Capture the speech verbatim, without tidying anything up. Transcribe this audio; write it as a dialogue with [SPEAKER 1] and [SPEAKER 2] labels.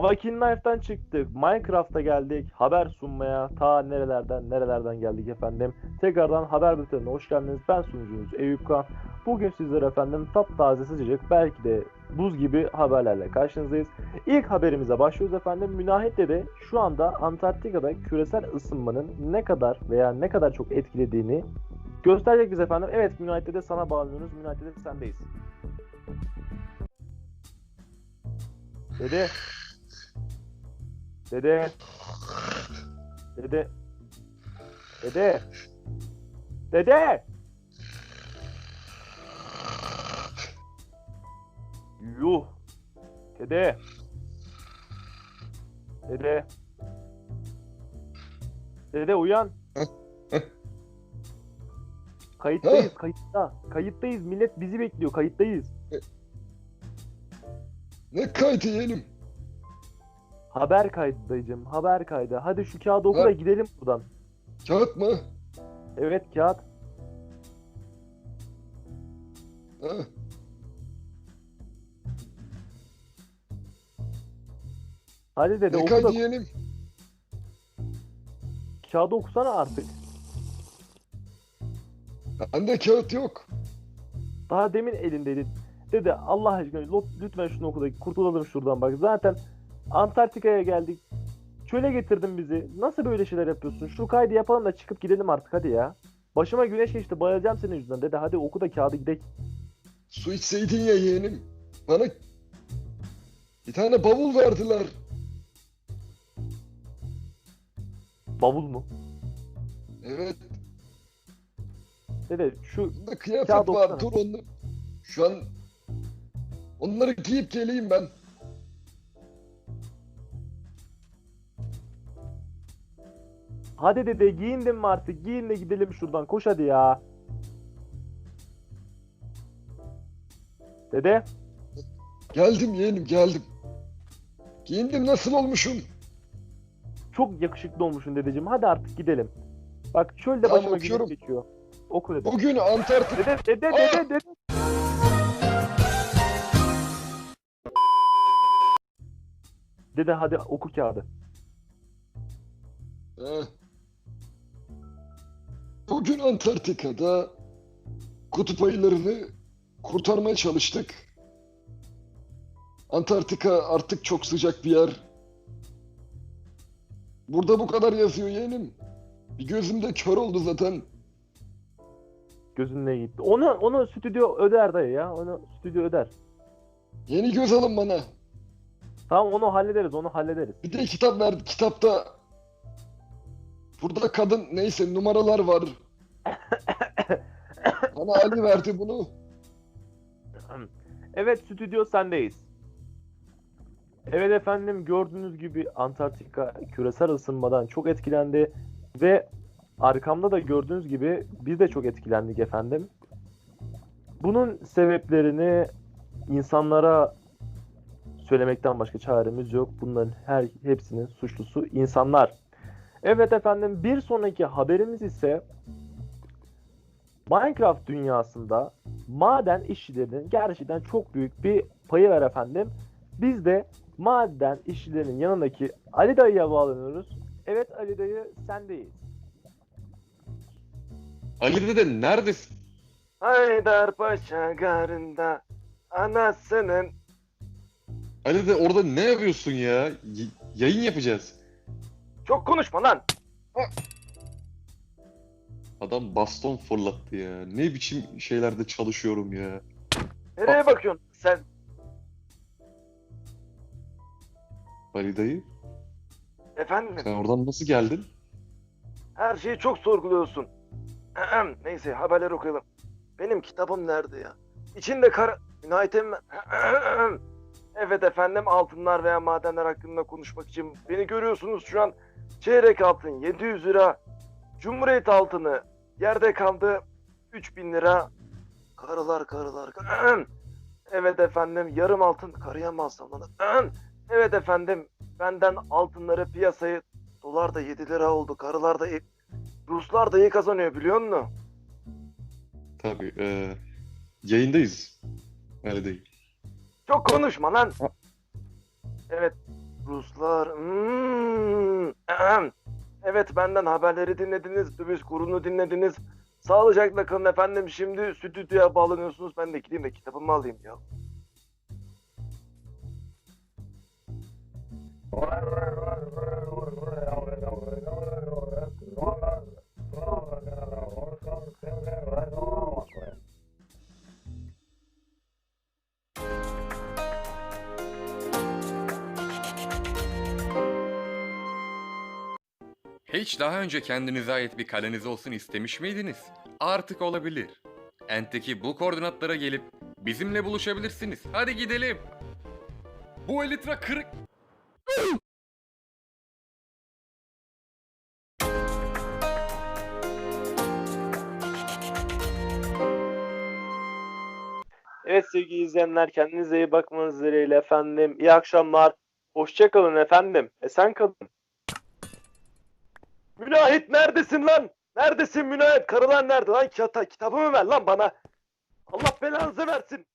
[SPEAKER 1] Avakin Knife'dan çıktık. Minecraft'a geldik. Haber sunmaya ta nerelerden nerelerden geldik efendim. Tekrardan haber bültenine hoş geldiniz. Ben sunucunuz Eyüp Kan. Bugün sizlere efendim taptaze sıcacık belki de buz gibi haberlerle karşınızdayız. İlk haberimize başlıyoruz efendim. Münahit'te şu anda Antarktika'da küresel ısınmanın ne kadar veya ne kadar çok etkilediğini gösterecek bize efendim. Evet Münahit'te de sana bağlanıyoruz. Münahit'te de sendeyiz. Dede. Dede. Dede. Dede. Dede. Yuh. Dede. Dede. Dede uyan. Kayıttayız, kayıtta. Kayıttayız. Millet bizi bekliyor. Kayıttayız.
[SPEAKER 2] Ne kaydı yeğenim?
[SPEAKER 1] Haber kaydı dayıcım. Haber kaydı. Hadi şu kağıdı oku da
[SPEAKER 2] Ha?
[SPEAKER 1] gidelim buradan.
[SPEAKER 2] Kağıt mı?
[SPEAKER 1] Evet kağıt.
[SPEAKER 2] Ha?
[SPEAKER 1] Hadi dede
[SPEAKER 2] Ne
[SPEAKER 1] oku da
[SPEAKER 2] kaydı yeğenim?
[SPEAKER 1] kağıdı okusana artık.
[SPEAKER 2] Bende kağıt yok.
[SPEAKER 1] Daha demin elindeydi. Dede Allah aşkına lo- lütfen şunu oku da kurtulalım şuradan bak. Zaten Antarktika'ya geldik. Çöle getirdin bizi. Nasıl böyle şeyler yapıyorsun? Şu kaydı yapalım da çıkıp gidelim artık hadi ya. Başıma güneş geçti. Bayılacağım senin yüzünden. Dede hadi oku da kağıdı gidelim.
[SPEAKER 2] Su içseydin ya yeğenim. Bana bir tane bavul verdiler.
[SPEAKER 1] Bavul mu?
[SPEAKER 2] Evet.
[SPEAKER 1] Dede şu
[SPEAKER 2] Bunda kıyafet
[SPEAKER 1] Kağıt
[SPEAKER 2] var.
[SPEAKER 1] okusana.
[SPEAKER 2] Dur onu. Şu an onları giyip geleyim ben.
[SPEAKER 1] hadi dede giyindin mi artık? Giyin de gidelim şuradan. Koş hadi ya. Dede
[SPEAKER 2] Geldim yeğenim geldim. Giyindim, nasıl olmuşum?
[SPEAKER 1] çok yakışıklı olmuşsun dedeciğim. Hadi artık gidelim. Bak çölde
[SPEAKER 2] Tamam,
[SPEAKER 1] başıma güneş
[SPEAKER 2] okuyorum.
[SPEAKER 1] geçiyor. Oku dede.
[SPEAKER 2] Bugün Antarktik...
[SPEAKER 1] Dede dede
[SPEAKER 2] Aa!
[SPEAKER 1] dede dede. Dede hadi oku kağıdı.
[SPEAKER 2] Ha. Bugün Antarktika'da kutup ayılarını kurtarmaya çalıştık. Antarktika artık çok sıcak bir yer. Burada bu kadar yazıyor yeğenim. Bir gözüm de kör oldu zaten.
[SPEAKER 1] Gözünle gitti. Onu onu stüdyo öder dayı ya. Onu stüdyo öder.
[SPEAKER 2] Yeni göz alın bana.
[SPEAKER 1] Tamam onu hallederiz. Onu hallederiz.
[SPEAKER 2] Bir de kitap verdi. Kitapta burada kadın neyse numaralar var. Bana Ali verdi bunu.
[SPEAKER 1] Evet stüdyo sendeyiz. Evet efendim gördüğünüz gibi Antarktika küresel ısınmadan çok etkilendi ve arkamda da gördüğünüz gibi biz de çok etkilendik efendim. Bunun sebeplerini insanlara söylemekten başka çaremiz yok. Bunların her hepsinin suçlusu insanlar. Evet efendim bir sonraki haberimiz ise Minecraft dünyasında maden işçilerinin gerçekten çok büyük bir payı var efendim. Biz de maden işçilerinin yanındaki Ali Dayı'ya bağlanıyoruz. Evet Ali Dayı sendeyiz.
[SPEAKER 3] Ali dede neredesin?
[SPEAKER 1] Haydarpaşa garında anasının...
[SPEAKER 3] Ali dede orada ne yapıyorsun ya? Y- yayın yapacağız.
[SPEAKER 1] Çok konuşma lan.
[SPEAKER 3] Adam baston fırlattı ya. Ne biçim şeylerde çalışıyorum ya.
[SPEAKER 1] Nereye bakıyorsun sen?
[SPEAKER 3] Ali dayı
[SPEAKER 1] Efendim
[SPEAKER 3] sen oradan nasıl geldin?
[SPEAKER 1] her şeyi çok sorguluyorsun. Neyse haberleri okuyalım. Benim kitabım nerede ya? İçinde kara... Günaydın. Evet efendim altınlar veya madenler hakkında konuşmak için beni görüyorsunuz şu an. Çeyrek altın yedi yüz lira. Cumhuriyet altını yerde kaldı üç bin lira. Karılar karılar. Evet efendim yarım altın karıya mı alsam lan? Evet efendim benden altınları piyasayı dolar da yedi lira oldu. Karılar da iyi- Ruslar da iyi kazanıyor biliyor musun?
[SPEAKER 3] Tabii. E, yayındayız. Ali dayı.
[SPEAKER 1] Çok konuşma lan. Evet. Ruslar. Hmm. Ahem. Evet, benden haberleri dinlediniz. Döviz kurunu dinlediniz. Sağlıcakla kalın efendim. Şimdi stüdyoya bağlanıyorsunuz. Ben de gideyim de kitabımı alayım ya.
[SPEAKER 4] Hiç daha önce kendinize ait bir kaleniz olsun istemiş miydiniz? Artık olabilir. Ent'teki bu koordinatlara gelip bizimle buluşabilirsiniz. Hadi gidelim. Bu elitra kırık...
[SPEAKER 1] Evet sevgili izleyenler, kendinize iyi bakmanız dileğiyle efendim. İyi akşamlar. Hoşça kalın efendim. Esen kalın. Münahit neredesin lan? Neredesin Münahit? Karılar nerede lan? Kita kitabımı ver lan bana. Allah belanızı versin.